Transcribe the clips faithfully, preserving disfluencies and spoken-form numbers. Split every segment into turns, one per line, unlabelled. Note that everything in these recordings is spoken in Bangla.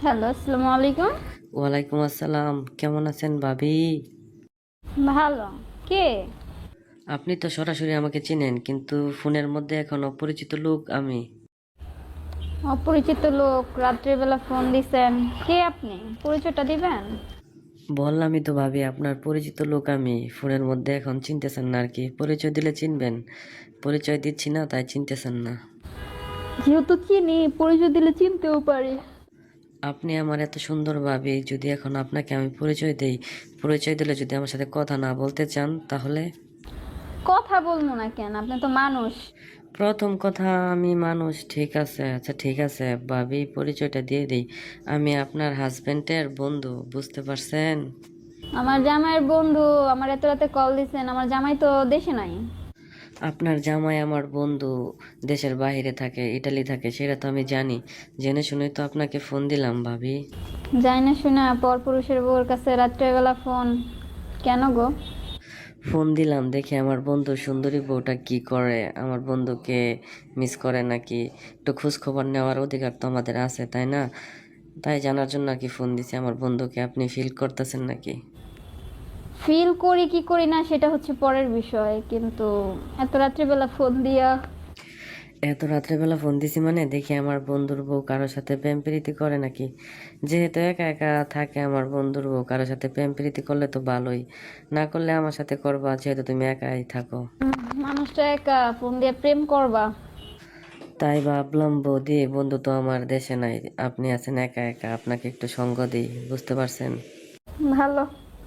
হ্যালো, আসসালামু আলাইকুম।
ওয়ালাইকুম আসসালাম। কেমন আছেন ভাবি?
ভালো। কে?
আপনি তো সরাসরি আমাকে চিনেন, কিন্তু ফোনের মধ্যে এখন অপরিচিত লোক আমি।
অপরিচিত লোক রাত্রিবেলা ফোন দিছেন। কে আপনি? পরিচয়টা দিবেন?
বললামই তো ভাবি, আপনার পরিচিত লোক আমি। ফোনের মধ্যে এখন চিনতেছেন না আর কি। পরিচয় দিলে চিনবেন, পরিচয় দিচ্ছি না তাই চিনতেছেন না।
যেহেতু চিনি, পরিচয় দিলে চিনতেও পারি।
আপনি আমার এত সুন্দর ভাবি, যদি এখন আপনাকে আমি পরিচয় দেই, পরিচয় দিলে যদি আমার সাথে কথা না বলতে চান তাহলে?
কথা বলবো না কেন? আপনি তো মানুষ।
প্রথম কথা, আমি মানুষ, ঠিক আছে। আচ্ছা ঠিক আছে ভাবি, পরিচয়টা দিয়ে দিই। আমি আপনার হাজবেন্ডের বন্ধু, বুঝতে পারছেন?
আমার জামাইয়ের বন্ধু আমার এত রাতে কল দিছেন। আমার জামাই তো দেশে নাই।
আপনার জামাই আমার বন্ধু দেশের বাইরে থাকে, ইটালি থাকে, সেটা তো আমি জানি। জেনে শুনেই তো আপনাকে ফোন দিলাম ভাবি।
যাই না শুনে পরপুরুষের বউর কাছে রাত্রেবেলা ফোন কেন গো?
ফোন দিলাম দেখি আমার বন্ধু সুন্দরী বউটা কি করে, আমার বন্ধুকে মিস করে নাকি, একটু খোঁজ খবর নেওয়ার অধিকার তো আমাদের আছে, তাই না? তাই জানার জন্য আর কি ফোন দিছি, আমার বন্ধুকে আপনি ফিল করতেছেন নাকি?
ফিল করি কি করি না সেটা হচ্ছে পরের বিষয়, কিন্তু এত রাত্রিবেলা ফোন দিয়া।
এত রাত্রেবেলা ফোন দিছি মানে দেখি আমার বন্ধুর বউ কারোর সাথে প্রেম প্রীতি করে নাকি। যেহেতু একা একা থাকে আমার বন্ধুর বউ, কারোর সাথে প্রেম প্রীতি করলে তো ভালোই, না করলে আমার সাথে করবা, যেহেতু তুমি একাই থাকো।
উম, মানুষটা একা ফোন দিয়ে প্রেম করবা?
তাই ভাবলাম বৌদি, বন্ধু তো আমার দেশে নাই, আপনি আছেন একা একা, আপনাকে একটু সঙ্গ দিই, বুঝতে পারছেন?
ভালো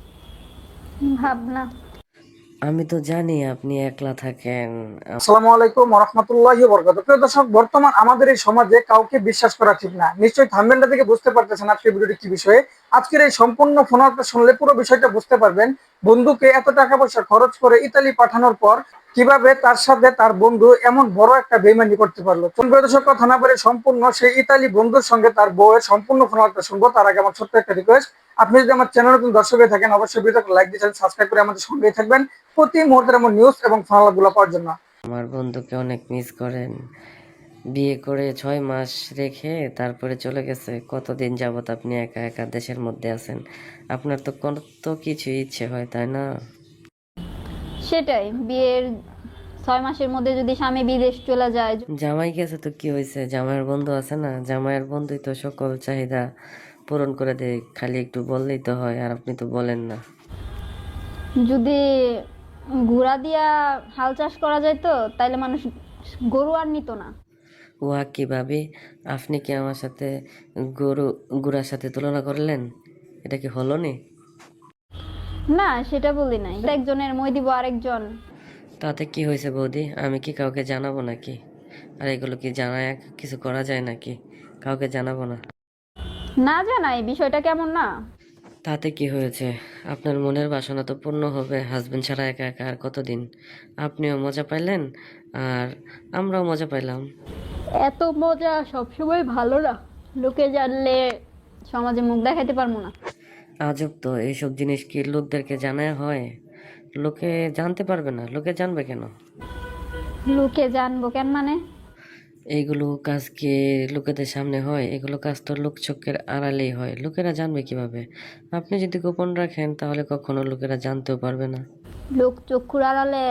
ভাবনা।
আমি তো জানি আপনি একলা থাকেন।
আসসালামু আলাইকুম ওয়া রাহমাতুল্লাহি ওয়া বারাকাতুহু। প্রিয় দর্শক, বর্তমান আমাদের এই সমাজে কাউকে বিশ্বাস করা ঠিক না। নিশ্চয়ই থাম্বনেলটা থেকে বুঝতে পারতেছেন আজকের ভিডিওটি কি বিষয়ে। আজকের এই সম্পূর্ণ ফোনালাপটা শুনলে পুরো বিষয়টা বুঝতে পারবেন। বন্ধুকে এত টাকা পয়সা খরচ করে ইতালি পাঠানোর পর কিভাবে তার সাথে তার বন্ধু এমন বড় একটা বেইমানি করতে পারলো। তো প্রিয় দর্শক, কথা না বলে সম্পূর্ণ সেই ইতালি বন্ধুর সঙ্গে তার বউয়ের সম্পূর্ণ ফোনালাপটা শুনবো। তার আগে আমার ছোট্ট একটা রিকোয়েস্ট, আপনি যদি আমার চ্যানেল নতুন দর্শক হয়ে থাকেন অবশ্যই ভিডিওটাকে লাইক দিয়ে সাবস্ক্রাইব করে আমাদের সঙ্গেই থাকবেন প্রতি মুহূর্তের এমন নিউজ এবং ফোনালাপগুলো পাওয়ার জন্য।
আমার বন্ধুকে অনেক মিস করেন। বিয়ে করে ছয় মাস রেখে তারপরে চলে গেছে। কতদিন যাবত আপনি একা একা দেশের মধ্যে আছেন? আপনার তো কত কিছু ইচ্ছে হয়, তাই না?
সেটাই, বিয়ের ছয় মাসের মধ্যে যদি স্বামী বিদেশ চলে যায়।
জামাই গেছে তো কি হয়েছে, জামাইয়ের বন্ধু আছে না, জামাইয়ের বন্ধুই তো সকল চাহিদা পূরণ করে দেয়, খালি একটু বললেই তো হয়, আর আপনি তো বলেন না।
যদি ঘোড়া দিয়া হাল চাষ করা যায় তো তাইলে মানুষ গরু আর নিত না।
উহা কি ভাবি, আপনি কি আমার সাথে গরু গুড়ার সাথে তুলনা করলেন? এটা কি হলো নি?
না, সেটা বলি নাই। একজনের মই দিব আরেকজন।
তাতে কি হয়েছে বৌদি, আমি কি কাউকে জানাবো নাকি? আর এগুলো কি জানায় কিছু করা যায় নাকি? কাউকে জানাবো না।
না জানাই বিষয়টা কেমন না?
তাতে কি হয়েছে? আপনার মনের বাসনা তো পূর্ণ হবে। হাজবেন্ড ছাড়া একা একা আর কতদিন? আপনিও মজা পাইলেন, আর আমরাও মজা পাইলাম।
এত মজা সবসময় ভালো না। লোকে জানলে সমাজে মুখ দেখাতে পারবো না।
আজব তো, এইসব জিনিস কি লোকদেরকে জানায় হয়? লোকে জানতে পারবে না, লোকে জানবে কেন?
লোকে জানবো কেন মানে?
এইগুলো কাজ কি লোকেদের সামনে হয়? এগুলো কাজ তো লোক চোখের আড়ালেই হয়, লোকেরা জানবে কিভাবে? আপনি যদি গোপন রাখেন তাহলে কখনো লোকেরা জানতেও পারবে না।
লোক চক্ষুর আড়ালে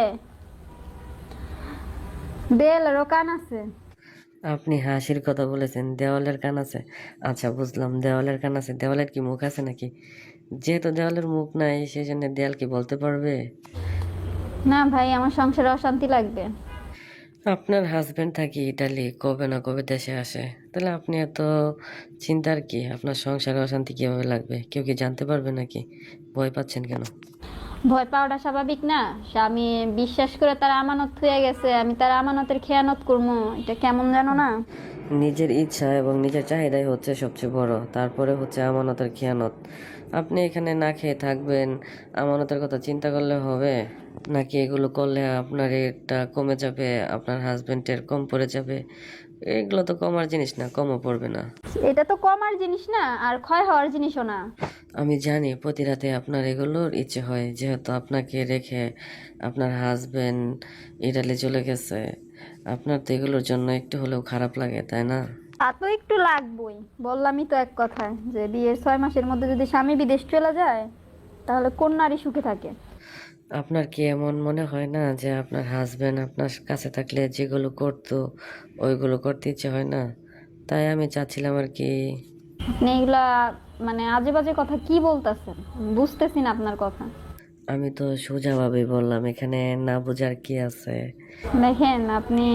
দেয়ালেরও কান আছে।
আপনি হাসির কথা বলেছেন, দেওয়ালের কান আছে। আচ্ছা বুঝলাম, দেওয়ালের কান আছে। দেওয়ালের কি মুখ আছে নাকি? যেহেতু দেওয়ালের মুখ নাই, সেই জন্য দেয়াল কি বলতে পারবে?
না ভাই, আমার সংসারে অশান্তি লাগবে।
আপনার হাজবেন্ড থাকি ইটালি, কবে না কবে দেশে আসে, তাহলে আপনি এত চিন্তার কি? আপনার সংসারে অশান্তি কিভাবে লাগবে? কেউ কি জানতে পারবে নাকি? ভয় পাচ্ছেন কেন?
ভয় পাওয়াটা স্বাভাবিক না? স্বামী বিশ্বাস করে তার আমানত হয়ে গেছে, আমি তার আমানতের খেয়ানত করবো, এটা কেমন জানো না?
নিজের ইচ্ছা এবং নিজের চাহিদাই হচ্ছে সবচেয়ে বড়, তারপরে হচ্ছে আমানতের খেয়ানত। আপনি এখানে না খেয়ে থাকবেন, আমানতের কথা চিন্তা করলে হবে নাকি? এগুলো করলে আপনার এটা কমে যাবে, আপনার হাজবেন্ডের কম পড়ে যাবে? এগুলো তো কমার জিনিস না, কমও পড়বে না।
এটা তো কমার জিনিস না, আর ক্ষয় হওয়ার জিনিসও না।
আমি জানি প্রতি রাতে আপনার এগুলোর ইচ্ছে হয়, যেহেতু আপনাকে রেখে আপনার হাজবেন্ড ইটালি চলে গেছে। আপনার তো এগুলোর জন্য একটু হলেও খারাপ লাগে, তাই না?
তা তো একটু লাগবেই, বললামই তো এক কথায় যে বিয়ের ছয় মাসের মধ্যে যদি স্বামী বিদেশ চলে যায় তাহলে কোন নারী সুখে থাকে?
আপনার কি এমন মনে হয় না যে আপনার হাজবেন্ড আপনার কাছে থাকলে যেগুলো করতো ওইগুলো করতে ইচ্ছে হয় না? তাই আমি চাচ্ছিলাম আর কি।
আপনি এগুলা মানে আজে বাজে কথা কি বলতেছেন? বুঝতেছি না আপনার কথা।
আমি তো সোজাভাবে বললাম, এখানে না বোঝার কি আছে?
দেখেন আপনি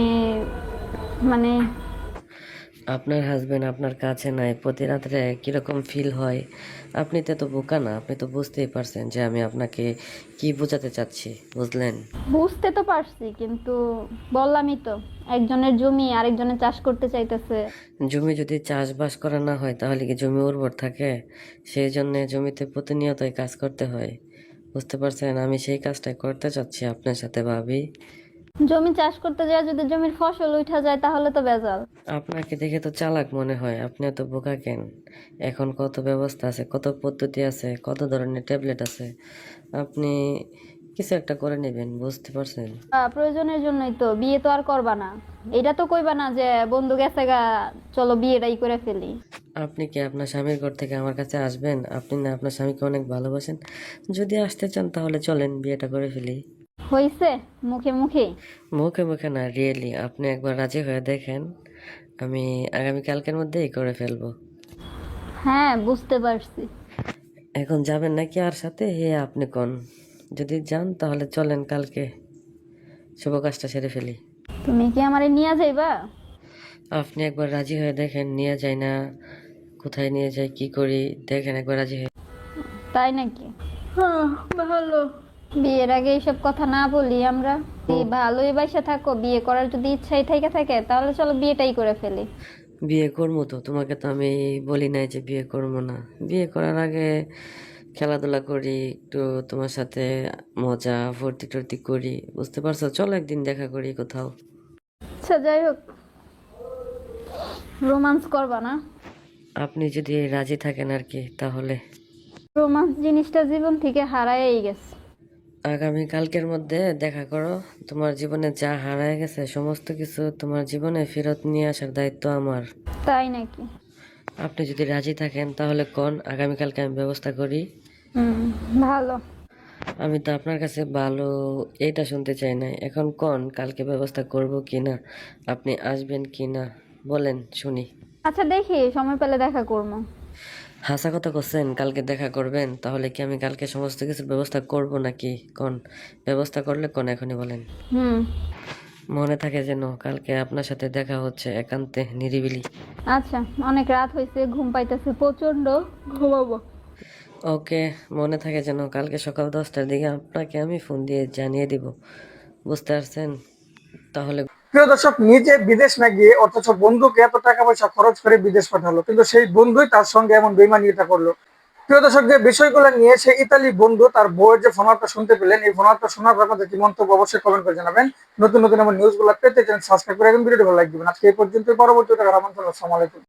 মানে
আপনার হাজবেন্ড আপনার কাছে নাই, প্রতি রাত্রে কিরকম ফিল হয়? আপনি তো এত বোকা না, আপনি তো বুঝতেই পারছেন যে আমি আপনাকে কি বোঝাতে চাচ্ছি, বুঝলেন?
বুঝতে তো পারছি, কিন্তু বললামই তো একজনের জমি আরেকজনের চাষ করতে চাইতেছে।
জমি যদি চাষবাস করা না হয় তাহলে কি জমি উর্বর থাকে? সেই জন্য জমিতে প্রতিনিয়তই কাজ করতে হয়, বুঝতে পারছেন? আমি সেই কাজটাই করতে চাচ্ছি আপনার সাথে, ভাবি।
জমি চাষ করতে যায় যদি জমির ফসল উঠা যায় তাহলে তো বেজাল।
আপনাকে দেখে তো চালাক মনে হয়, আপনি এত বোকা কেন? এখন কত ব্যবস্থা আছে, কত পদ্ধতি আছে, কত ধরনের ট্যাবলেট আছে, আপনি কিছু একটা করে নেবেন, বুঝতে পারছেন?
আহ, প্রয়োজনের জন্যই তো, বিয়ে তো আর করবা না। এটা তো কইবা না যে বন্ধু গেছে গা, চলো বিয়েটাই করে ফেলি।
আপনি কি আপনার স্বামীর ঘর থেকে আমার কাছে আসবেন? আপনি না আপনার স্বামীকে অনেক ভালোবাসেন? যদি আসতে চান তাহলে চলেন বিয়েটা করে ফেলি।
হইছে মুখে মুখে।
মুখে মুখে না, রিয়েলি আপনি একবার রাজি হয়ে দেখেন, আমি আগামী কালকের মধ্যেই করে ফেলবো।
হ্যাঁ বুঝতে পারছি।
এখন যাবেন নাকি আর সাথে, হে আপনি কোন? যদি যান তাহলে চলেন কালকে শুভ কাজটা সেরে ফেলি।
তুমি কি আমারে নিয়ে যাইবা?
আপনি একবার রাজি হয়ে দেখেন, নিয়ে যাই না, কোথায় নিয়ে যাই, কি করি, দেখেন একবার রাজি হয়ে।
তাই নাকি? হ্যাঁ, ভালো। বিয়ের আগে এইসব কথা না বলি আমরা। এই ভালোই বাসা থাকো, বিয়ে করার যদি ইচ্ছাই থেকে থাকে তাহলে চলো বিয়েটাই করে ফেলি।
বিয়ে করবো তো, তোমাকে তো আমি বলি নাই যে বিয়ে করবো না। বিয়ে করার আগে খেলাধুলা করি একটু, তোমার সাথে মজা ফুর্তি টুর্তি করি, বুঝতে পারছো? চলো একদিন দেখা করি কোথাও।
আচ্ছা যাই হোক, রোমান্স করবা না?
আপনি যদি রাজি থাকেন আর কি, তাহলে
রোমান্স জিনিসটা জীবন থেকে হারাই গেছে।
আগামী কালকের মধ্যে দেখা করো। তোমার জীবনে যা হারায় গেছে সমস্ত কিছু তোমার জীবনে ফেরত নিয়ে আসার দায়িত্ব আমার।
তাই নাকি?
আপনি যদি রাজি থাকেন তাহলে কোন, আগামীকালকে আমি ব্যবস্থা করি।
হুম, ভালো।
আমি তো আপনার কাছে ভালো এইটা শুনতে চাই না, এখন কোন কালকে ব্যবস্থা করব কি না, আপনি আসবেন কি না বলেন শুনি।
আচ্ছা দেখি সময় পেলে দেখা করবো।
হাসা কথা করছেন, কালকে দেখা করবেন? তাহলে কি আমি কালকে সমস্ত কিছুর ব্যবস্থা করব নাকি? কোন ব্যবস্থা করলে কোন, এখনই বলেন।
হুম।
মনে থাকে যেন কালকে আপনার সাথে দেখা হচ্ছে একান্তে, নিরিবিলি।
আচ্ছা, অনেক রাত হয়েছে, ঘুম পাইতেছে প্রচন্ড, ঘুমাবো।
ওকে, মনে থাকে যেন কালকে সকাল দশটার দিকে আপনাকে আমি ফোন দিয়ে জানিয়ে দিব, বুঝতে পারছেন? তাহলে
প্রিয় দর্শক, নিজে বিদেশ না গিয়ে অথচ বন্ধুকে এত টাকা পয়সা খরচ করে বিদেশ পাঠালো, কিন্তু সেই বন্ধুই তার সঙ্গে এমন বেইমানিটা করলো। প্রিয় দর্শক, যে বিষয়গুলো নিয়ে সেই ইতালি বন্ধু তার বউয়ের যে ফোনালটা শুনতে পেলেন, এই ফোনালটা শোনার পর আপনাদের কি মন্তব্য অবশ্যই কমেন্ট করে জানাবেন। নতুন নতুন এমন নিউজগুলো পেতে চ্যানেল সাবস্ক্রাইব করে এবং ভিডিওটি ভালো লাইক দিবেন। আজকে এই পর্যন্ত, পরবর্তী টাকার আমন্ত্রণ। আসসালামু আলাইকুম।